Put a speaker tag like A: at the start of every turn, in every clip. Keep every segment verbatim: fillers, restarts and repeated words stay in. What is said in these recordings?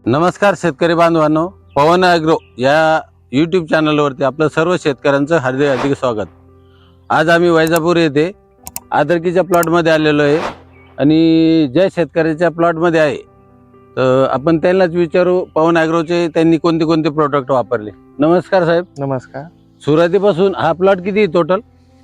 A: नमस्कार शेतकरी बांधवांनो, पवन ॲग्रो या यूट्यूब चॅनलवरती आपलं सर्व शेतकऱ्यांचं हार्दिक हार्दिक स्वागत। आज आम्ही वैजापूर येथे आदरकीच्या प्लॉटमध्ये आलेलो आहे आणि ज्या शेतकऱ्याच्या प्लॉटमध्ये आहे तर आपण त्यांनाच विचारू पवन ॲग्रोचे त्यांनी कोणते कोणते प्रोडक्ट वापरले। नमस्कार साहेब।
B: नमस्कार।
A: सुरुवातीपासून हा प्लॉट किती टोटल?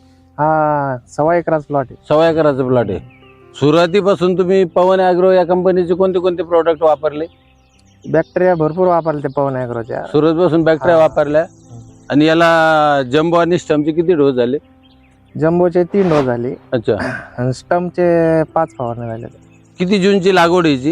B: हा सव्वा एकराचा प्लॉट आहे।
A: सव्वा एकराचा प्लॉट आहे। सुरुवातीपासून तुम्ही पवन ॲग्रो या कंपनीचे कोणते कोणते प्रोडक्ट वापरले?
B: बॅक्टेरिया भरपूर वापरले ते पवन ॲग्रोच्या।
A: सुरुवातीपासून बॅक्टेरिया वापरल्या आणि याला जम्बो आणि स्टमचे किती डोस झाले?
B: जम्बोचे तीन डोस झाले।
A: अच्छा।
B: आणि स्टमचे पाच फवारणी झाले।
A: किती जूनची लागवड याची?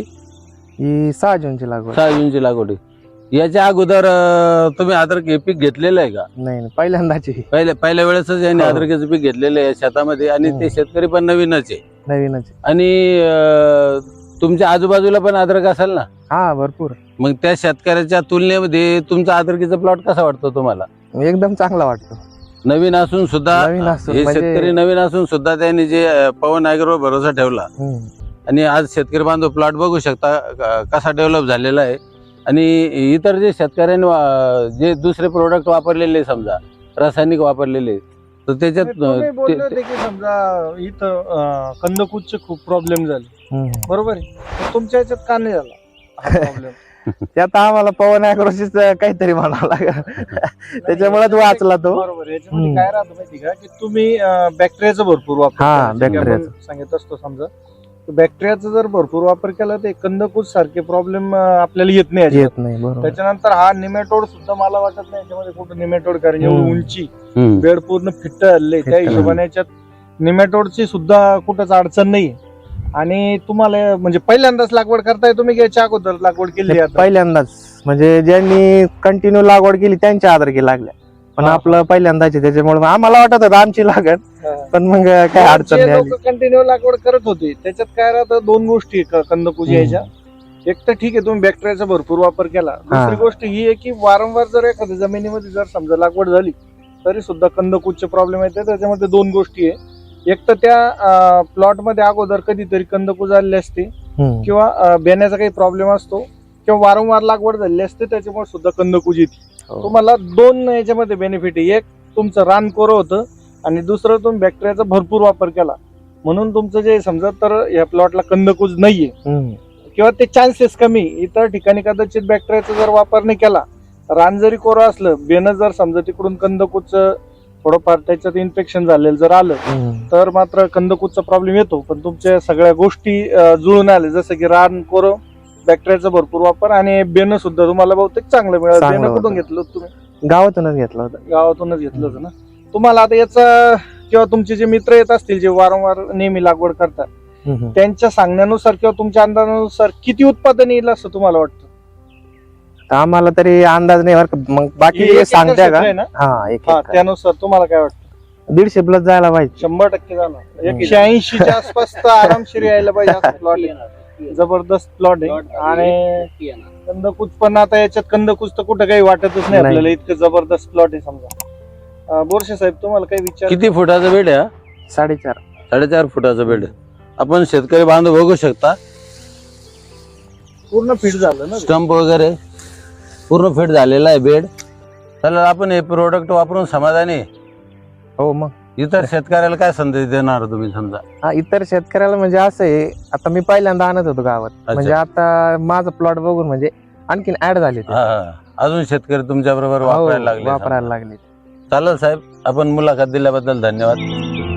B: ही सहा जूनची लागवड।
A: सहा जूनची लागवड आहे। याच्या अगोदर अं, तुम्ही अद्रक पीक घेतलेलं आहे का?
B: नाही नाही, पहिल्यांदाची।
A: पहिल्या पहिल्या वेळेसच यांनी अद्रकाचं पीक घेतलेलं आहे शेतामध्ये आणि ते शेतकरी पण नवीनच आहे।
B: नवीनच।
A: आणि अं, तुमच्या आजूबाजूला पण अद्रक असेल ना?
B: हा भरपूर।
A: मग त्या शेतकऱ्याच्या तुलनेमध्ये तुमचा अद्रकीचा प्लॉट कसा वाटतो तुम्हाला?
B: एकदम चांगला वाटतो।
A: नवीन असून सुद्धा
B: नवीन असून
A: हे
B: म्हणजे-
A: शेतकरी नवीन असून सुद्धा त्यांनी जे अं, पवन ॲग्रो भरोसा ठेवला आणि आज शेतकरी बांधव प्लॉट बघू शकता क- कसा डेव्हलप झालेला आहे। आणि इतर जे शेतकऱ्यांनी वा- जे दुसरे प्रोडक्ट वापरलेले समजा रासायनिक वापरलेले तर त्याच्यात
C: तुम्ही
A: ते-
C: बोलले
A: ते-
C: होते की समजा इथं अं, कंदकूदचे खूप प्रॉब्लेम झाले, बरोबर आहे? तर तुमच्या याच्यात का नाही झाला हा प्रॉब्लेम?
B: त्यात आम्हाला पवन ॲग्रोचीच काहीतरी म्हणावं लागेल, त्याच्यामुळेच वाचला तो।
C: बरोबर आहे। याच्यामध्ये काय राहतं माहिती का की तुम्ही बॅक्टेरियाचा भरपूर वापर
B: हा,
C: केला, जसं की आपण
B: बॅक्टेरियाचा.
C: सांगत असतो समजा बॅक्टेरियाचा जर भरपूर वापर केला तर कंदकूद सारखे प्रॉब्लेम आपल्याला येत नाही याच्यात।
B: येत नाही। बरोबर।
C: त्याच्यानंतर हा निमेटोड सुद्धा मला वाटत नाही याच्यामध्ये कुठं निमेटोड, कारण एवढी
B: हम्म.
C: उंची
A: हम्म.
C: बेड पूर्ण फिट्ट हल्ले त्या
B: फिट्ट.
C: हिशोबाने याच्यात निमेटोडची सुद्धा कुठंच अडचण नाही। आणि तुम्हाला म्हणजे पहिल्यांदाच लागवड करताय तुम्ही की याच्या अगोदर लागवड केली आता?
B: पहिल्यांदाच, म्हणजे ज्यांनी कंटिन्यू लागवड केली त्यांच्या आदरकी लागल्या, पण
C: हा.
B: आपलं पहिल्यांदाच आहे, त्याच्यामुळे आम्हाला वाटत होतं आमची लागत, पण मग काय अडचण नाही आली।
C: लोक कंटिन्यू लागवड करत होते त्याच्यात काय राहतं, दोन गोष्टी कंदकूज यायच्या। एक तर ठीक आहे तुम्ही बॅक्टेरियाचा भरपूर वापर केला, दुसरी गोष्ट ही आहे की वारंवार जर एखाद्या जमिनीमध्ये जर समजा लागवड झाली तरी सुद्धा कंदकूदचे प्रॉब्लेम येतात। त्याच्यामध्ये दोन गोष्टी आहे, एक तर त्या प्लॉट मध्ये अगोदर कधीतरी कंदकूज आलेले असते
B: हम्म.
C: किंवा अं, बेण्याचा काही प्रॉब्लेम असतो किंवा वारंवार लागवड झालेली असते त्याच्यामुळे सुद्धा कंदकूज येते।
B: हो.
C: तुम्हाला दोन याच्यामध्ये बेनिफिट आहे, एक तुमचं रान कोरं होतं आणि दुसरं तुम्ही बॅक्टेरियाचा भरपूर वापर केला म्हणून तुमचं जे समजा तर या प्लॉटला कंदकूज नाहीये
B: हम्म.
C: किंवा ते चान्सेस कमी। इतर ठिकाणी कदाचित बॅक्टेरियाचा जर वापर नाही केला, रान जरी कोरं असलं, बेनं जर समजा तिकडून कंदकूजचं थोडंफार त्याच्यात इन्फेक्शन झालेलं जर आलं
B: हम्म.
C: तर मात्र कंदकूदचा प्रॉब्लेम येतो। पण तुमच्या सगळ्या गोष्टी अं, जुळून आले, जसं की रान कोरं, बॅक्टेरियाचा भरपूर वापर आणि बेनं सुद्धा तुम्हाला बहुतेक चांगलं मिळालं।
B: चांगलं
C: बेनं कुठून
B: होतं.
C: घेतलं होतं तुम्ही?
B: गावातूनच घेतलं होतं।
C: गावातूनच घेतलं होतं ना? तुम्हाला आता याचा किंवा तुमचे जे मित्र येत असतील जे वारंवार नेहमी लागवड करतात
B: हम्म.
C: त्यांच्या सांगण्यानुसार किंवा तुमच्या अंदाजानुसार किती उत्पादन येईल असं तुम्हाला वाटतं?
B: तर आम्हाला तरी अंदाज नाही बरं का, मग बाकी
C: एक एकर
B: सांगते
C: क्षेत्र
B: का?
C: आहे ना?
B: हा, एक
C: हा,
B: एकर.
C: त्यानुसार तुम्हाला काय वाटतं?
B: दीडशे प्लस जायला पाहिजे।
C: शंभर टक्के झाला। एकशे ऐंशीच्या आसपास तर आरामशीर यायला पाहिजे असं प्लॉट आहे। जबरदस्त प्लॉट आहे आणि कंदकूज पण आता याच्यात कंदकूज तर कुठं काही वाटतच नाही
B: नाही.
C: आपल्याला, इतकं जबरदस्त प्लॉट आहे समजा। अं, बोरशे साहेब तुम्हाला काही विचार?
A: किती फुटाचा बेड आहे हा?
B: साडेचार
A: साडेचार फुटाचा बेड आहे। आपण शेतकरी बांधव बघू शकता
C: पूर्ण फिट झालं ना?
A: स्टंप वगैरे पूर्ण फिट झालेला आहे बेड। चला आपण हे प्रोडक्ट वापरून समाधानी आहे।
B: हो मग
A: इतर शेतकऱ्याला काय संदेश देणार तुम्ही समजा?
B: हा, इतर शेतकऱ्याला म्हणजे असं आहे, आता मी पहिल्यांदा आणत होतो गावात, म्हणजे आता माझा प्लॉट बघून म्हणजे आणखीन ऍड झाले ते.
A: हा हा. अजून शेतकरी तुमच्या बरोबर
B: हो,
A: वापरायला लागले
B: वापरायला
A: समजा.
B: लागले।
A: चालेल साहेब, आपण मुलाखत दिल्याबद्दल धन्यवाद।